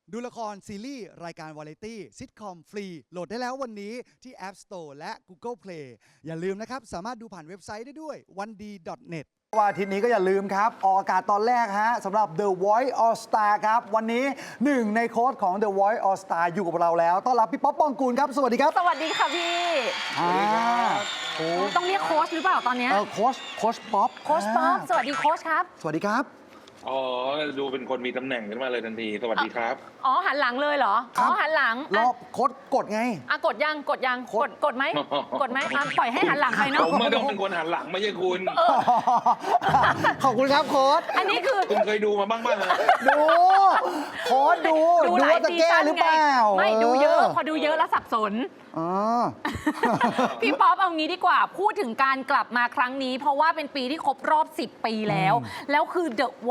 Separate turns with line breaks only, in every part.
ดูละครซีรีส์รายการวาไรตี้ซิทคอมฟรีโหลดได้แล้ววันนี้ที่ App Store และ Google Play อย่าลืมนะครับสามารถดูผ่านเว็บไซต์ได้ด้วย 1d.net
วันอาทิตย์นี้ก็อย่าลืมครับออกอากาศตอนแรกฮะสำหรับ The Voice All Star ครับวันนี้หนึ่งในโค้ชของ The Voice All Star อยู่กับเราแล้วต้อนรับพี่ป๊อปปองกูลครับสวัสดีครับ
สวัสดีค่ะพี่
โอ้
ต้องเรียกโค้ชหรือเปล่าตอนเนี้ย
โค้ชป๊อป
โค้ชป๊อปสวัสดีโค้ชครับ
สวัสดีครับ
อ๋อ ดูเป็นคนมีตำแหน่งขึ้นมาเลยทันที สวัสดีครับ
อ๋อหันหลังเลยเหรอ
ครั
อ๋
บ
อหันหลัง
รอบโค้ชกดไง
กดยังกดยังกดไหม กดไหมปล่อยให้หันหลังไป
ผ
เนาะ
มไม่ต้องเป็นคนหันหลังไม่ใช่คุณ
ขอบคุณครับโค้ช
อันนี้คือ
คุณเคยดูมาบ้างป่ะฮะ
ดูโค้ชดู
หลาย
ว่าจะ
ซี
แก้
ซั่น
หรือ
ไง
เปล่า
ไม่ดูเยอะ พอดูเยอะแล้วสับสน
อ๋อ
พี่ป๊อปเอางี้ดีกว่าพูดถึงการกลับมาครั้งนี้ เพราะว่าเป็นปีที่ครบรอบ 10 ปีแล้ว แล้วคือ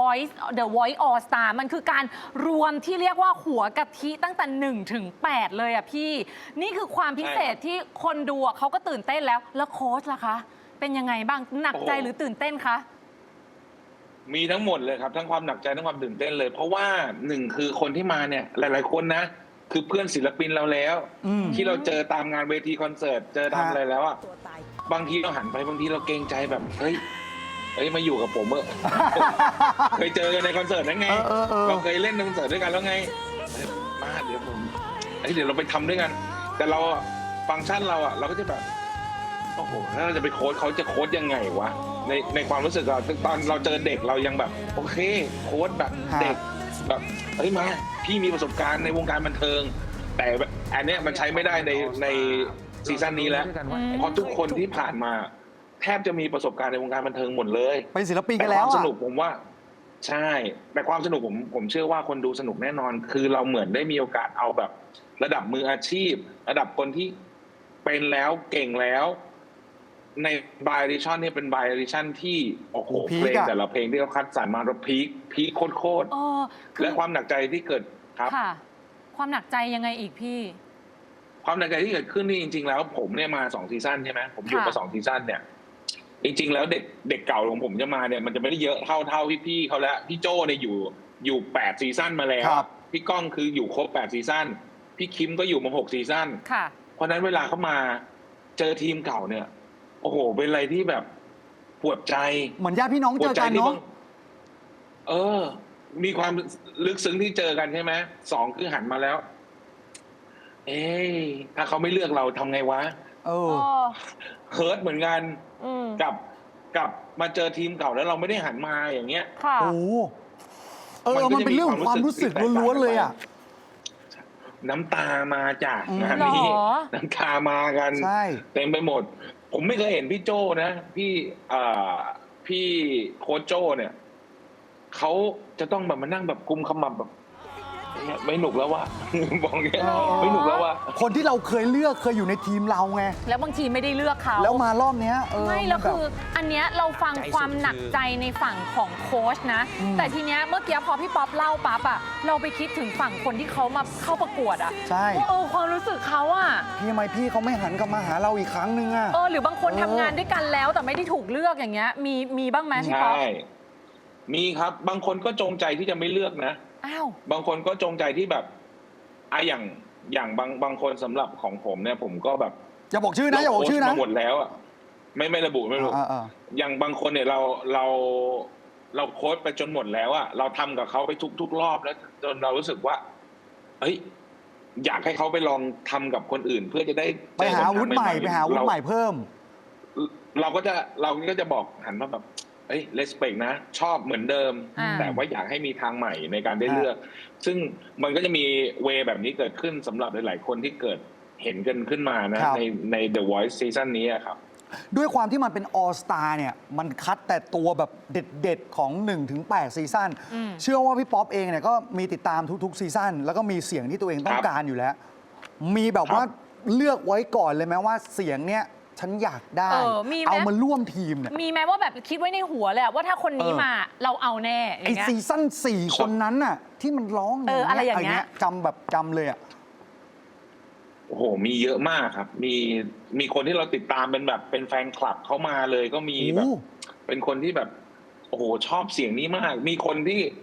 The Voice All Star มันคือการรวมที่เรียกว่าหัวกะทิตั้งแต่1ถึง8เลยอ่ะพี่ นี่คือความพิเศษที่คนดูอะเขาก็ตื่นเต้นแล้วโค้ชล่ะคะ เป็นยังไงบ้างหนักใจหรือตื่นเต้นคะ
มีทั้งหมดเลยครับ ทั้งความหนักใจทั้งความตื่นเต้นเลย เพราะว่าหนึ่งคือคนที่มาเนี่ย หลาย ๆ คนนะ คือเพื่อนศิลปินเราแล้ว ที่เราเจอตามงานเวทีคอนเสิร์ต เจอตามอะไรแล้วอ่ะ บางทีเราหันไปบางทีเราเกรงใจแบบเฮ้ยมาอยู่กับผมเออ เคยเจอกันในคอนเสิร์ตนั่นไง เราเคยเล่นในคอนเสิร์ตด้วยกันแล้วไงมาเดี๋ยวผมเดี๋ยวเราไปทำด้วยกัน แต่เราฟังก์ชันเราอ่ะเราก็จะแบบโอ้โหแล้วเราจะไปโค้ชเขาจะโค้ชยังไงวะในความรู้สึกเราตอนเราเจอเด็กเรายังแบบโอเคโค้ชแบบเด็กแบบมาพี่มีประสบการณ์ในวงการบันเทิง แต่อันเนี้ยมันใช้ไม่ได้ในซีซั่นนี้แล้วเพราะทุกคนที่ผ่านมาแทบจะมีประสบการณ์ในวงการบันเทิงหมดเลย
เป็นศิลปินกัน
แต่
แล้
คว วามส
อ่ะ
นุกผมว่าใช่ แต่ความสนุกผมเชื่อว่าคนดูสนุกแน่นอน คือเราเหมือนได้มีโอกาสเอาแบบระดับมืออาชีพ ระดับคนที่เป็นแล้วเก่งแล้ว ในบายดิชั่นนี่เป็นบายดิชั่นที่โอ้โห
พีค
เพลง
อะ
แต่ละเพลงที่เขาคัดสรรมาแล้วพีคโคตร
คือ
และความหนักใจที่เกิดครับ
ค่ะ ความหนักใจยังไงอีกพี่
ความหนักใจที่เกิดขึ้นนี่จริงๆแล้วผมเนี่ยมา2ซีซั่นใช่ไหมผมอยู่มา2ซีซั่นเนี่ยจริงๆแล้วเด็กเก่าของผมจะมาเนี่ยมันจะไม่ได้เยอะเท่าพี่ๆเขาแล้วพี่โจ้เนี่ยอยู่8ซีซั่นมาแล้ว
ครับ
พี่ก้องคืออยู่ครบ8ซีซั่นพี่คิมก็อยู่มา6ซีซั่น
ค่ะ
เพราะฉะนั้นเวลาเขามาเจอทีมเก่าเนี่ยโอ้โหเป็นอะไรที่แบบปวดใจ
เหมือนญาติพี่น้อง
ป
เจ
วด
อ
ใจ
กัน
ที่
เนาะ
มีความลึกซึ้งที่เจอกันใช่ไหม2คือหันมาแล้ว ถ้าเขาไม่เลือกเราทำไงวะเฮิร์ตเหมือนกันกับมาเจอทีมเก่าแล้วเราไม่ได้หันมาอย่างเงี้ย
ค่ะ
โอ้มันเป็นเรื่องของความรู้สึกล้วนๆเลยอ่ะ
น้ำตามาจากงาน
หร
นี้
อ
น้ำตามากัน
ใช่
เต็มไปหมด ผมไม่เคยเห็นพี่โจ้นะพี่โค้ชโจ้เนี่ยเขาจะต้องแบบมานั่งแบบกุมขมับแบบไม่หนุกแล้วว่ะ บอกอย่างเงี้ยไม่หนุกแล้วว่ะ
คนที่เราเคยเลือกเคยอยู่ในทีมเราไง
แล้วบางทีไม่ได้เลือกเขา
แล้วมารอบเนี้ย
ไม่แล้ว
นบบ
คืออันเนี้ยเราฟังความหนักใจในฝั่งของโค้ชนะ แต่ทีเนี้ยเมื่อกี้พอพี่ป๊อปเล่าปั๊บอะเราไปคิดถึงฝั่งคนที่เขามาเข้าประกวดอะ
ใช่
ว่าความรู้สึกเขาอะ
พี่ทำไมพี่เขาไม่หันกลับมาหาเราอีกครั้งนึงอ่ะ
หรือบางคนทำงานด้วยกันแล้วแต่ไม่ได้ถูกเลือกอย่างเงี้ยมีบ้างไหมพี่
ใช่
ป๊อป
มีครับบางคนก็จงใจที่จะไม่เลือกนะ
อ้าว
บางคนก็จงใจที่แบบอย่างบางคนสำหรับของผมเนี่ยผมก็แบบ
อย่าบอกชื่อนะอย่าบอกชื่อนะ
มาหมดแล้วอ่ะไม่ระบุไม่ระบุ อย่างบางคนเนี่ยเราโค้ชไปจนหมดแล้วอ่ะเราทำกับเขาไปทุกรอบแล้วจนเรารู้สึกว่าเฮ้ยอยากให้เขาไปลองทำกับคนอื่น เพื่อจะได้
ไปหาอาวุธใหม่ไปหาอาวุธใหม่เพิ่ม
เราก็จะบอกหันมาแบบเลสเปกนะชอบเหมือนเดิม แต่ว่าอยากให้มีทางใหม่ในการได้เลือก ซึ่งมันก็จะมีเวแบบนี้เกิดขึ้นสำหรับหลาย ๆ คนที่เกิดเห็นกันขึ้นมานะใน The Voice ซีซั่นนี้ครับ
ด้วยความที่มันเป็น All Star เนี่ยมันคัดแต่ตัวแบบเด็ดๆ ของ 1-8 ซีซั่นเชื่อว่าพี่ป๊อปเองเนี่ยก็มีติดตามทุกๆซีซั่นแล้วก็มีเสียงที่ตัวเองต้องการอยู่แล้ว มีแบบว่าเลือกไว้ก่อนเลยไหมว่าเสียงเนี้ยฉันอยากได้ เอามาร่วมทีมเนี่ย
มีไหมว่าแบบคิดไว้ในหัวเลยอะว่าถ้าคนนี้มาเราเอาแน่อ
ไอย่าง
เงี้ย
ซีซั่น4 คนนั้นน่ะที่มันร้อง
อะไรอย่างเงี้ย
จำเลยอ่ะ
โอ้โหมีเยอะมากครับมีคนที่เราติดตามเป็นแฟนคลับเขามาเลยก็มีแบบเป็นคนที่แบบโอ้โหชอบเสียงนี้มาก มีคนที่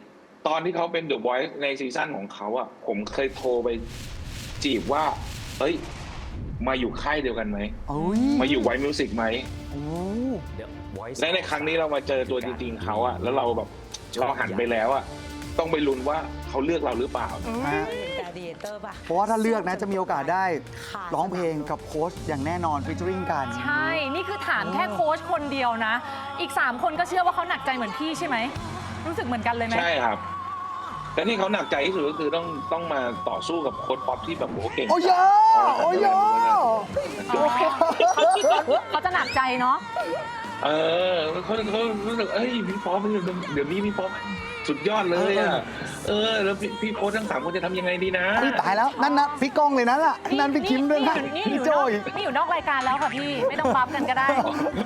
ตอนที่เขาเป็น The Voice ในซีซั่นของเขาอ่ะผมเคยโทรไปจีบว่า เอ้ย มาอยู่ค่ายเดียวกันไหม
โอ้ย
มาอยู่ไวมิวสิกไหม
โอ้
และในครั้งนี้เรามาเจอตัวจริงๆเขาอะแล้วเราแบบเราหันไปแล้วอะต้องไปลุ้นว่าเขาเลือกเราหรือเปล่า
ฮะ
เป็นการดีเตอร์ป่ะ
เพราะว่าถ้าเลือกนะจะมีโอกาสได้ร้องเพลงกับโค้ชอย่างแน่นอนฟิชเจอริงกัน
ใช่ นี่คือถามแค่โค้ชคนเดียวนะ อีก 3 คนก็เชื่อว่าเขาหนักใจเหมือนพี่ใช่ไหม รู้สึกเหมือนกันเลยไหม
ใช่ครับ แต่ที่เขาหนักใจที่สุดก็คือต้องมาต่อสู้กับโค้ชป๊อปที่แบบโหเก่ง
โอ้ยโอ้ย
อ๋อเขาคิดว่าเขาจะหนักใจเนาะ
เออเขารู้สึกเอ้ยพี่ป๊อปเดี๋ยวนี้พี่ป๊อปสุดยอดเลยอะแล้วพี่โค้ชทั้ง3 คนจะทำยังไงดีนะ
อุ๊ยตายแล้วนั่นนะพี่ก้องเลยนั่นแหละนั่นพี่คิมด้วยนะ
นี่
พี่
อยู่
โจ
นอก
อีก
นี่อยู่นอกรายการแล้วค่ะพี่ ไม่ต้องบัฟกันก็ได้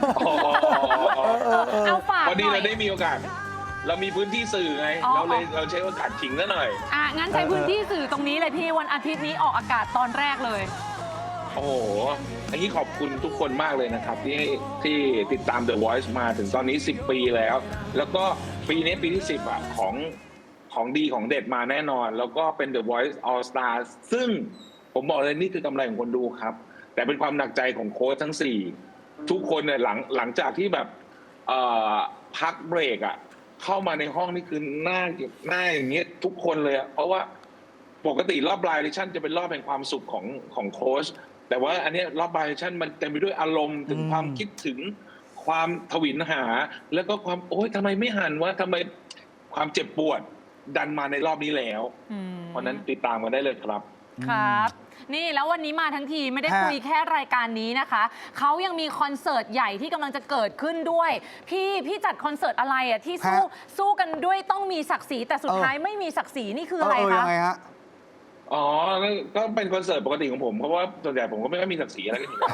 เอาฝาก
วัน
ห
นี้
น่อ
เรา
ย
ได้มีโอกาส เรามีพื้นที่สื่อไง
อ๋อ
เราใช้โอกาสขิงซะหน่อย
งั้นใช้พื้นที่สื่อตรงนี้เลยพี่วันอาทิตย์นี้ออกอากาศตอนแรกเลย
โอ้โห อันนี้ขอบคุณทุกคนมากเลยนะครับ ที่ติดตาม The Voice มาถึงตอนนี้ 10 ปีแล้ว แล้วก็ปีนี้ปีที่ 10 อ่ะ ของดีของเด็ดมาแน่นอน แล้วก็เป็น The Voice All Star ซึ่งผมบอกเลยนี่คือกำไรของคนดูครับ แต่เป็นความหนักใจของโค้ชทั้ง 4 ทุกคนเนี่ยหลังจากที่แบบพักเบรกอ่ะ เข้ามาในห้องนี่คือหน้าอย่างเงี้ยทุกคนเลยอ่ะเพราะว่าปกติรอบไลฟ์ชั่นจะเป็นรอบแห่งความสุขของโค้ชแต่ว่าอันเนี้ยรอบไลฟ์ชั่นมันเต็มไปด้วยอารมณ์ถึงความคิดถึงความทวินหา แล้วก็ความโอ๊ยทำไมไม่หันวะทำไมความเจ็บปวดดันมาในรอบนี้แล้ว เพราะนั้นติดตามกันได้เลยครับ
ครับ นี่แล้ววันนี้มาทั้งทีไม่ได้
ฮะ
คุยแค่รายการนี้นะคะเขายังมีคอนเสิร์ตใหญ่ที่กำลังจะเกิดขึ้นด้วย พี่จัดคอนเสิร์ตอะไรอ่ะที่สู้กันด้วยต้องมีศักดิ์ศรีแต่สุดท้ายไม่มีศักดิ์ศรีนี่คืออะไร
ยั
คะ
งไงฮะ
อ๋อก็เป็นคอนเสิร์ตปกติของผมเพราะว่าส่วนใหญ่ผมก็ไม่ค่อยมีศักดิ์ศรีอะไรกันอยู่แล้ว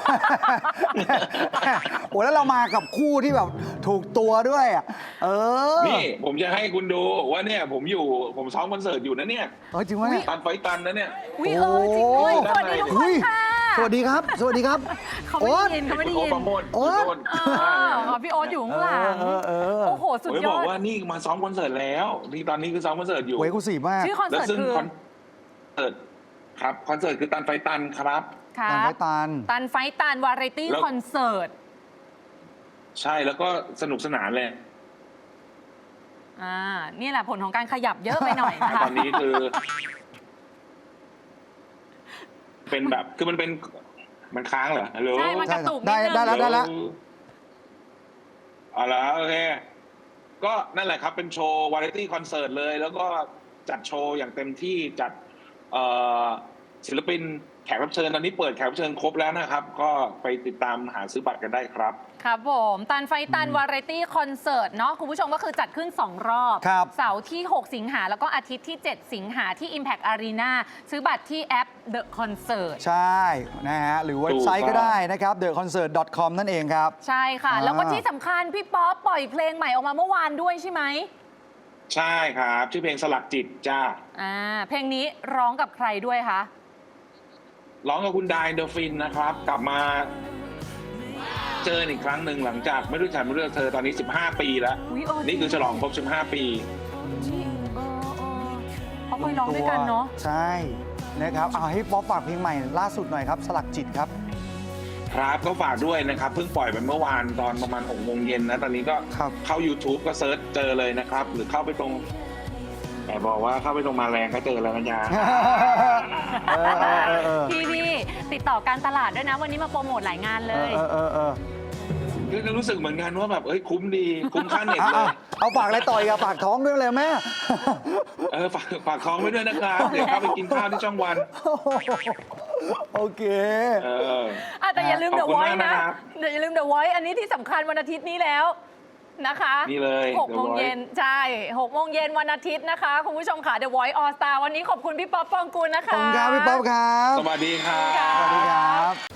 โอ้แล้วเรามากับคู่ที่แบบถูกตัวด้วยอ่ะนี่
นี่ผมจะให้คุณดูว่าเนี่ยผมซ้อมคอนเสิร์ตอยู่นะเนี่ย
จริงไหมเนี่ย
ตันไฟตันนะเนี่ย
วิจริงด้วยสวัสดีทุกคนค่ะ
สวัสดีครับ สวัสดีครับ
เขาไม่ได้ยินเขาไม่ได้ยิน
โอ๊ตประโมท
โอ๊ต
พี่โอ๊ตอยู่ข้างหลังโอ้โหสุด
ผม
ย
บ
อ
อก
ด
ว่านี่มาซ้อมคอนเสิร์ตแล้วนี่ตอนนี้คือซ้อมคอนเสิร์ตอยู่
เว้ยกูสีมาก
ชื่อคอน
แล้ว
เสิร์ต
ซึ่ง
คือ
คอนเสิร์ตครับคอนเสิร์ตคือตันไฟตันครับ
ค
ตัน
รั
ไฟ
บ
ตัน
ตันไฟตันวาไรตี้
แล้ว
คอนเสิร์ต
ใช่แล้วก็สนุกสนานเลย
นี่แหละผลของการขยับเยอะไปหน่อยนะคะ
ตอนนี้คือ เป็นแบบคือมันค้างเหรอฮัลโหล
ใช่มันกระตุกนิ
ได้
ดนึง
ได้แล้วได้แล้ว
เอาละโอเคก็นั่นแหละครับเป็นโชว์วาไรตี้คอนเสิร์ตเลย แล้วก็จัดโชว์อย่างเต็มที่จัดศิลปินแขกรับเชิญตอนนี้เปิดแขกรับเชิญครบแล้วนะครับ ก็ไปติดตามหาซื้อบัตรกันได้ครับ
ครับผมตันไฟตันวาไรตี้คอนเสิร์ตเนาะคุณผู้ชมก็คือจัดขึ้น 2 รอบ
ครับ
เสาร์ที่ 6 สิงหาแล้วก็อาทิตย์ที่ 7 สิงหาที่ Impact Arena ซื้อบัตรที่แอป The Concert
ใช่นะฮะหรือเว็บไซต์ก็ได้นะครับ theconcert.com นั่นเองครับ
ใช่ค่ะ
อ่า
แล้วก็ที่สำคัญพี่ป๊อปปล่อยเพลงใหม่ออกมาเมื่อวานด้วยใช่ไหม
ใช่ครับชื่อเพลงสลักจิตจ้า
เพลงนี้ร้องกับใครด้วยคะ
ร้องกับคุณไดเดอฟินนะครับ กลับมาเจออีกครั้งหนึ่งหลังจากไม่รู้จักไม่รู้จักเธอตอนนี้ 15 ปีแล้ว
อุ๊ย
นี่คือฉลองครบ 15 ปี
เขาเคยร้องด้วยกันเนาะ
ใช่นะครับเอาให้ป๊อปฝากเพลงใหม่ล่าสุดหน่อยครับ สลักจิตครับ
ครับก็ฝากด้วยนะครับ เพิ่งปล่อยไปเมื่อวานตอนประมาณ6 โมงเย็นนะ ตอนนี้ก็
ครับ
เข้า YouTube ก็เซิร์ชเจอเลยนะครับ หรือเข้าไปตรงแต่บอกว่าเข้าไปตรงมาแรงก็เจอแล้วนะยา
พี่ติดต่อการตลาดด้วยนะ วันนี้มาโปรโมทหลายงานเลย
ก็รู้สึกเหมือนกันว่าแบบคุ้มดีคุ้มค่าเน็ตเลย
เอาฝากอะไรต่อยกับฝากท้องด้วยเลยแม่
ฝากท้องไว้ด้วยนะครับ เดี๋ยวเข้าไปกินข้าวที่ช่องวัน
โอเค
แต่อย่าลืม
ข
The
อบคุณ
Voice
มากนะ
นะครับ อย่าลืม The Voice อันนี้ที่สำคัญวันอาทิตย์นี้แล้วนะคะ
นี่เลย
6 โมงเย็นใช่ 6 โมงเย็นวันอาทิตย์นะคะ คุณผู้ชมค่ะ The Voice All Star วันนี้ขอบคุณพี่ป๊อปปองกูลนะ
ขอบ
คะ
คุณครับพี่ป๊อปครับ
สวัสดีครับ
สวัสดีครับ